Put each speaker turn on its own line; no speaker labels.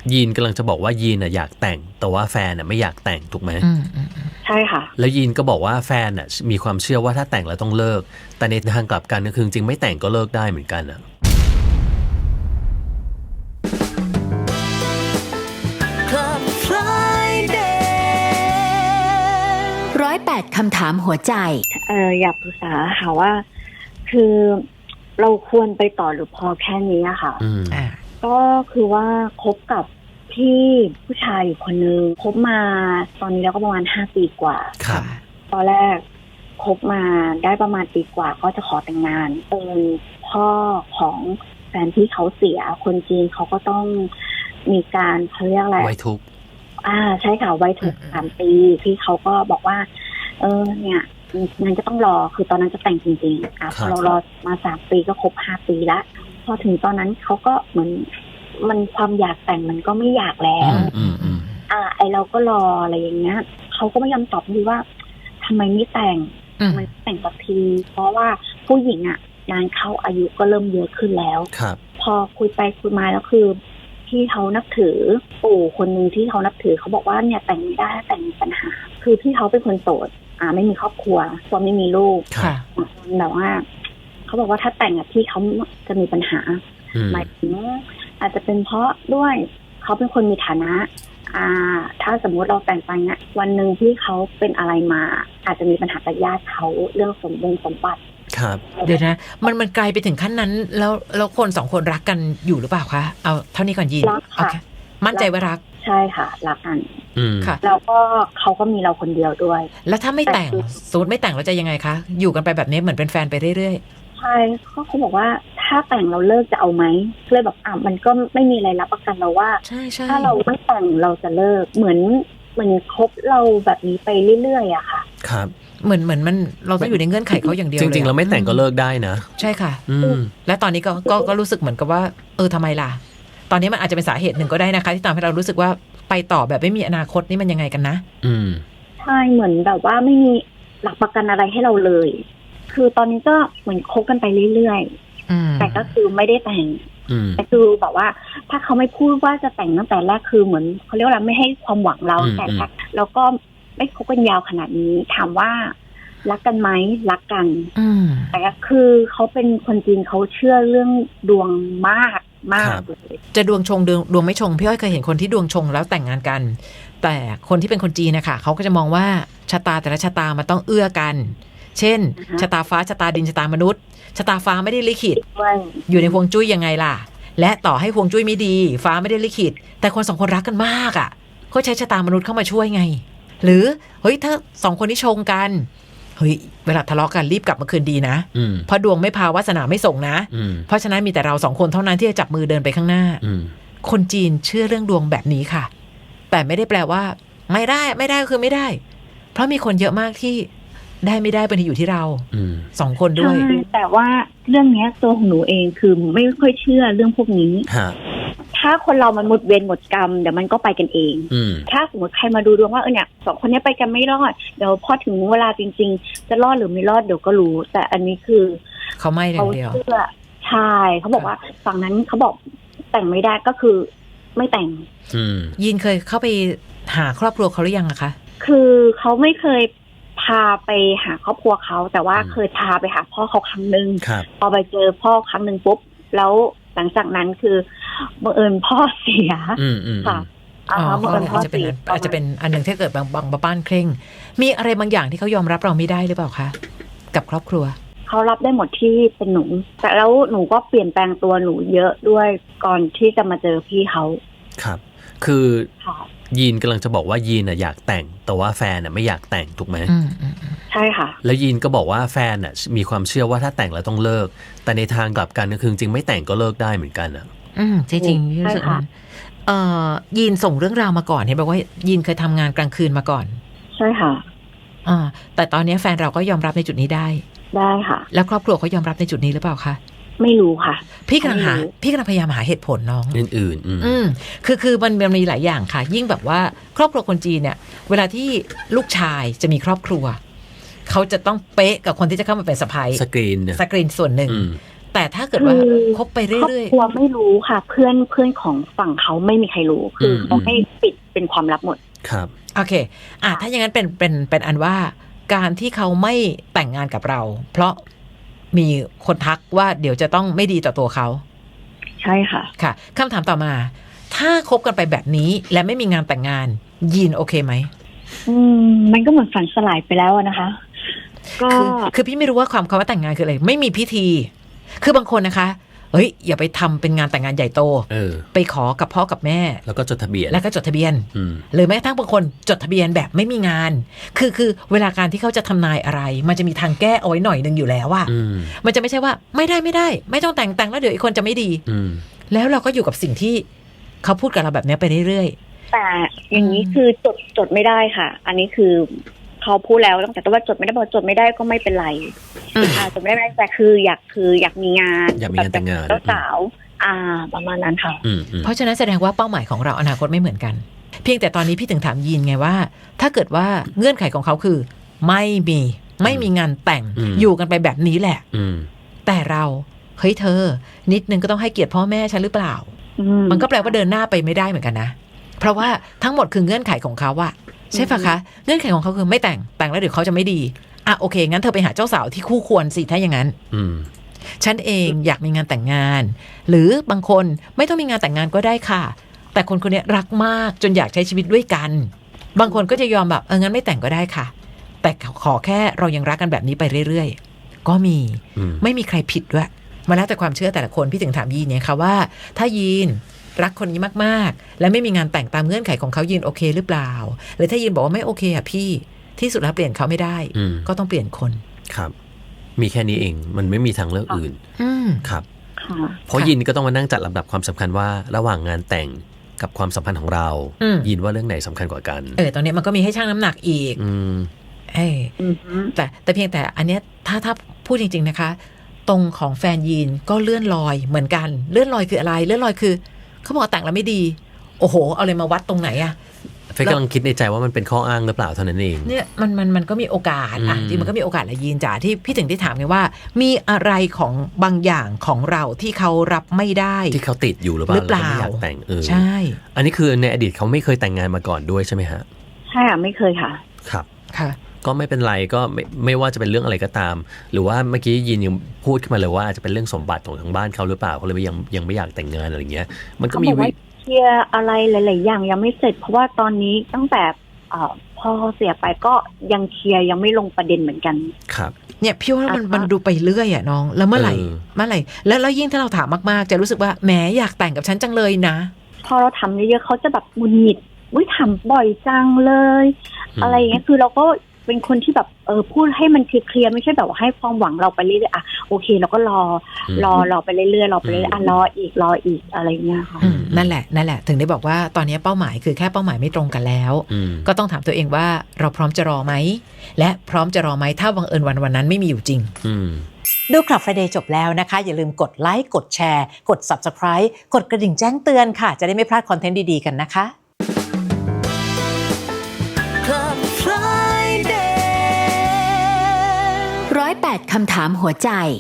ยีนกำลังจะบอกว่ายีนอยากแต่งแต่ว่าแฟนไม่อยากแต่งถูกไหม
ใช่ค่ะ
แล้วยีนก็บอกว่าแฟนมีความเชื่อว่าถ้าแต่งแล้วต้องเลิกแต่ในทางกลับกันก็คือจริงไม่แต่งก็เลิกได้เหมือนกัน
108 คำถามหัวใจ
อยากปรึกษาค่ะว่าคือเราควรไปต่อหรือพอแค่นี้อะค่ะก็คือว่าคบกับพี่ผู้ชายอยู่คนนึงคบมาตอนนี้แล้วก็ประมาณ5 ปีกว่า
ครับ
ตอนแรกคบมาได้ประมาณปีกว่าก็จะขอแต่งงานพ่อของแฟนที่เขาเสียคนจีนเขาก็ต้องมีการเขาเรียกอะไร
ไว้ทุกข์
ใช่ค่ะไว้ทุกข์3 ปีพี่เขาก็บอกว่าเนี่ยงั้นก็ต้องรอคือตอนนั้นจะแต่งจริงๆพอเรารอมา3 ปีก็ครบ5 ปีแล้วพอถึงตอนนั้นเขาก็เหมือนมันความอยากแต่งมันก็ไม่อยากแล้วไอเราก็รออะไรอย่างเงี้ยเขาก็ไม่ยอมตอบดีว่าทำไมไม่แต่งมันแต่งสักทีเพราะว่าผู้หญิงงานเข้าอายุก็เริ่มเยอะขึ้นแล้วพอคุยไปคุยมาแล้วคือที่เขานับถือปู่คนนึงที่เขานับถือเขาบอกว่าเนี่ยแต่งไม่ได้แต่งมีปัญหาคือพี่เขาเป็นคนโสดไม่มีครอบครัวตัวไม่มีลูกแบบว่าเขาบอกว่าถ้าแต่งพี่เขาจะมีปัญหาหมายถึงอาจจะเป็นเพราะด้วยเขาเป็นคนมีฐานะถ้าสมมุติเราแต่งไปเนี่ยวันหนึ่งที่เขาเป็นอะไรมาอาจจะมีปัญหากับญาติเขาเรื่องสมบัติ
ครับ
เดี๋ยวนะมันไกลไปถึงขั้นนั้นแล้วคน2 คนรักกันอยู่หรือเปล่าคะเอาเท่านี้ก่อนยินโอเคมั่นใจว่ารัก
ใช่ค่ะรักกัน
ค่ะ
แล้วก็เขาก็มีเราคนเดียวด้วย
แล้วถ้าไม่แต่งสมมติไม่แต่งเราจะยังไงคะอยู่กันไปแบบนี้เหมือนเป็นแฟนไปเรื่อย
ๆใช่เขาบอกว่าถ้าแต่งเราเลิกจะเอาไหมเลยแบบมันก็ไม่มีอะไรรับประกันเราว่าถ้าเราไม่แต่งเราจะเลิกเหมือนคบเราแบบนี้ไปเรื่อยๆอะค่ะ
ครับ
เหมือนมันเราต้องอยู่ในเงื่อนไขเขาอย่างเดียว
จริงๆเราไม่แต่งก็เลิกได้นะ
ใช่ค่ะและตอนนี้ก็รู้สึกเหมือนกับว่าทำไมล่ะตอนนี้มันอาจจะเป็นสาเหตุหนึ่งก็ได้นะคะที่ทำให้เรารู้สึกว่าไปต่อแบบไม่มีอนาคตนี่มันยังไงกันนะ
ใช่เหมือนแบบว่าไม่มีหลักประกันอะไรให้เราเลยคือตอนนี้ก็เหมือนคบกันไปเรื่อยๆแต่ก็คือไม่ได้แต่งแต่คือแบบว่าถ้าเขาไม่พูดว่าจะแต่งตั้งแต่แรกคือเหมือนเขาเรียกว่าไม่ให้ความหวังเราแต่แล้วก็ไม่คบกันยาวขนาดนี้ถามว่ารักกันไหมรักกันแต่คือเขาเป็นคนจีนเขาเชื่อเรื่องดวงมากเลย
จะดวงชงดวงไม่ชงพี่อ้อยเคยเห็นคนที่ดวงชงแล้วแต่งงานกันแต่คนที่เป็นคนจีนนะคะเขาก็จะมองว่าชะตาแต่ละชะตามันต้องเอื้อกันเช่นชะตาฟ้าชะตาดินชะตามนุษย์ชะตาฟ้าไม่ได้ลิขิตอยู่ในฮวงจุ้ยยังไงล่ะและต่อให้ฮวงจุ้ยไม่ดีฟ้าไม่ได้ลิขิตแต่คน2 คนรักกันมากเขาใช้ชะตามนุษย์เข้ามาช่วยไงหรือเฮ้ยถ้า2 คนที่ชงกันเฮ้ยเวลาทะเลาะกันรีบกลับมาคืนดีนะเพราะดวงไม่พาวาสนาไม่ส่งนะเพราะฉะนั้นมีแต่เรา2 คนเท่านั้นที่จะจับมือเดินไปข้างหน้าคนจีนเชื่อเรื่องดวงแบบนี้ค่ะแต่ไม่ได้แปลว่าไม่ได้ก็คือไม่ได้เพราะมีคนเยอะมากที่ได้ไม่ได้เป็นที่อยู่ที่เรา2 คนด้วย
แต่ว่าเรื่องนี้ตัวของหนูเองคือไม่ค่อยเชื่อเรื่องพวกนี้ถ้าคนเรามันหมดเวรหมดกรรมเดี๋ยวมันก็ไปกันเองถ้าสมมติใครมาดูดวงว่าเนี่ย2 คนนี้ไปกันไม่รอดเดี๋ยวพอถึงเวลาจริงๆจะรอดหรือไม่รอดเดี๋ยวก็รู้แต่อันนี้คือ
เขาไม่อย่างเดียว
ใช่เขาบอกว่าฝั่งนั้นเขาบอกแต่งไม่ได้ก็คือไม่แต่ง
ยินเคยเข้าไปหาครอบครัวเขาหรือยังอะคะ
คือเขาไม่เคยพาไปหาครอบครัวเขาแต่ว่าเคยพาไปหาพ่อเขาครั้งนึงพอไปเจอพ่อครั้งนึงปุ๊บแล้วหลังจากนั้นคือบังเอิญพ่อเสียค่ะ
อาจจะเป็นอันหนึ่งที่เกิดบางบ้านเคร่งมีอะไรบางอย่างที่เขายอมรับเราไม่ได้หรือเปล่าคะกับครอบครัว
เขารับได้หมดที่เป็นหนูแต่แล้วหนูก็เปลี่ยนแปลงตัวหนูเยอะด้วยก่อนที่จะมาเจอพี่เขา
ครับคือยีนกำลังจะบอกว่ายีนอยากแต่งแต่ว่าแฟนไม่อยากแต่งถูกไหม
ใช่ค่ะ
แล้วยีนก็บอกว่าแฟนมีความเชื่อว่าถ้าแต่งแล้วต้องเลิกแต่ในทางกลับกันก็คือจริงไม่แต่งก็เลิกได้เหมือนกัน
จริงๆรู้สึกยีนส่งเรื่องราวมาก่อนเห็นบอกว่ายีนเคยทำงานกลางคืนมาก่อน
ใช่ค่ะ
แต่ตอนนี้แฟนเราก็ยอมรับในจุดนี้ได้
ค่ะ
แล้วครอบครัวเขายอมรับในจุดนี้หรือเปล่าคะ
ไม่รู้ค่ะ
พี่กำลังพยายามหาเหตุผลน้อง
อื่น
คือมันมีหลายอย่างค่ะยิ่งแบบว่าครอบครัวคนจีนเนี่ยเวลาที่ลูกชายจะมีครอบครัวเขาจะต้องเป๊ะกับคนที่จะเข้ามาเป็นสะใภ้สกรีนส่วนหนึ่งแต่ถ้าเกิดว่าคบไปเรื่อยๆ
ครอบครัวไม่รู้ค่ะเพื่อนของฝั่งเขาไม่มีใครรู้คือเขาให้ปิดเป็นความลับหมด
ครับ
โอเคถ้าอย่างนั้นเป็นอันว่าการที่เขาไม่แต่งงานกับเราเพราะมีคนทักว่าเดี๋ยวจะต้องไม่ดีต่อตัวเขา
ใช่ค่ะ
ค่ะคำถามต่อมาถ้าคบกันไปแบบนี้และไม่มีงานแต่งงานยีนโอเคไหม
มันก็เหมือนฝันสลายไปแล้วนะคะก็
คือพี่ไม่รู้ว่าความคำว่าแต่งงานคืออะไรไม่มีพิธีคือบางคนนะคะอย่าไปทำเป็นงานแต่งงานใหญ่โตไปขอกับพ่อกับแม่
แล้วก็จดทะเบียน
หรือแม้กระทั่งบางคนจดทะเบียนแบบไม่มีงานคือเวลาการที่เขาจะทำนายอะไรมันจะมีทางแก้เอาไว้หน่อยนึงอยู่แล้วอะมันจะไม่ใช่ว่าไม่ได้ไม่ต้องแต่งแล้วเดี๋ยวอีกคนจะไม่ดีแล้วเราก็อยู่กับสิ่งที่เขาพูดกับเราแบบนี้ไปเรื่อย
ๆแต่อย่างนี้คือจดไม่ได้ค่ะอันนี้คือเขาพูดแล้วตั้งแต่ว่าจดไม่ได้บอกจดไม่ได้ก็ไม่เป็นไรจดไม่ได้แต่คืออยากมีงาน
แต่งงาน
เจ้าสาวประมาณนั้นค่ะ
เพราะฉะนั้นแสดงว่าเป้าหมายของเราอนาคตไม่เหมือนกันเพียงแต่ตอนนี้พี่ถึงถามยีนไงว่าถ้าเกิดว่าเงื่อนไขของเขาคือไม่มีงานแต่งอยู่กันไปแบบนี้แหละแต่เราเฮ้ยเธอนิดนึงก็ต้องให้เกียรติพ่อแม่ฉันหรือเปล่ามันก็แปลว่าเดินหน้าไปไม่ได้เหมือนกันนะเพราะว่าทั้งหมดคือเงื่อนไขของเขาอะใช่ปะคะเงื่อนไขของเขาคือไม่แต่งแล้วเดี๋ยวเขาจะไม่ดีโอเคงั้นเธอไปหาเจ้าสาวที่คู่ควรสิถ้าอย่างนั้นฉันเองอยากมีงานแต่งงานหรือบางคนไม่ต้องมีงานแต่งงานก็ได้ค่ะแต่คนนี้รักมากจนอยากใช้ชีวิตด้วยกันบางคนก็จะยอมแบบงั้นไม่แต่งก็ได้ค่ะแต่ขอแค่เรายังรักกันแบบนี้ไปเรื่อยๆก็มีไม่มีใครผิดด้วยมาแล้วแต่ความเชื่อแต่ละคนพี่ถึงถามยีนเนี่ยค่ะว่าถ้ายีนรักคนนี้มากๆและไม่มีงานแต่งตามเงื่อนไขของเขายีนโอเคหรือเปล่าหรือถ้ายีนบอกว่าไม่โอเคพี่ที่สุดแล้วเปลี่ยนเขาไม่ได้ก็ต้องเปลี่ยนคน
ครับมีแค่นี้เองมันไม่มีทางเลือกอื่นครับเพราะยินก็ต้องมานั่งจัดลำดับความสำคัญว่าระหว่างงานแต่งกับความสัมพันธ์ของเรายินว่าเรื่องไหนสำคัญกว่ากัน
ตอนนี้มันก็มีให้ชั่งน้ำหนักอีกแต่เพียงแต่อันเนี้ยถ้าพูดจริงๆนะคะตรงของแฟนยีนก็เลื่อนลอยเหมือนกันเลื่อนลอยคืออะไรเลื่อนลอยคือเขาบอกแต่งแล้วไม่ดีโอ้โหเอาเลยมาวัดตรงไหนอะ
เฟยกำลังคิดในใจว่ามันเป็นข้ออ้างหรือเปล่าเท่านั้นเอง
เนี่ยมันก็มีโอกาสจริงมันก็มีโอกาสแหละยีนจ๋าที่พี่ถึงได้ถามไงว่ามีอะไรของบางอย่างของเราที่เขารับไม่ได้
ที่เขาติดอยู่หรือเปล่าไม่อยากแต่ง
ใช่
อันนี้คือในอดีตเขาไม่เคยแต่งงานมาก่อนด้วยใช่ไหมฮะ
ใช่ไม่เคยค่ะ
ครับ
ค่ะ
ก็ไม่เป็นไรก็ไม่ว่าจะเป็นเรื่องอะไรก็ตามหรือว่าเมื่อกี้ยินยังพูดขึ้นมาเลยว่าอาจจะเป็นเรื่องสมบัติของทางบ้านเขาหรือเปล่าเขาเลยยังไม่อยากแต่งงานอะไรเงี้ยมันก็มี
เคลียร์อะไรหลายๆอย่างยังไม่เสร็จเพราะว่าตอนนี้ตั้งแต่พ่อเสียไปก็ยังเคลียร์ยังไม่ลงประเด็นเหมือนกัน
ครับ
เนี่ยพี่ว่ามันดูไปเรื่อยน้องแล้วเมื่อไหร่แล้วยิ่งถ้าเราถามมากๆจะรู้สึกว่าแหมอยากแต่งกับฉันจังเลยนะ
พอเราทำเยอะๆเขาจะแบบหงุดหงิดทำบ่อยจังเลยอะไรอย่างเงี้ยคือเราก็เป็นคนที่แบบพูดให้มันเคลียร์ไม่ใช่แบบว่าให้ความหวังเราไปเรื่อยๆโอเคเราก็รอไปเรื่อยๆรอไปเรื่อยๆรออีกอะไรเงี้ยค่ะ
นั่นแหละถึงได้บอกว่าตอนนี้เป้าหมายคือแค่เป้าหมายไม่ตรงกันแล้วก็ต้องถามตัวเองว่าเราพร้อมจะรอไหมและพร้อมจะรอไหมถ้าบังเอิญวันนั้นไม่มีอยู่จริงดูคลับ Friday จบแล้วนะคะอย่าลืมกดไลค์กดแชร์กด Subscribe กดกระดิ่งแจ้งเตือนค่ะจะได้ไม่พลาดคอนเทนต์ดีๆกันนะคะ
108 คำถามหัวใจ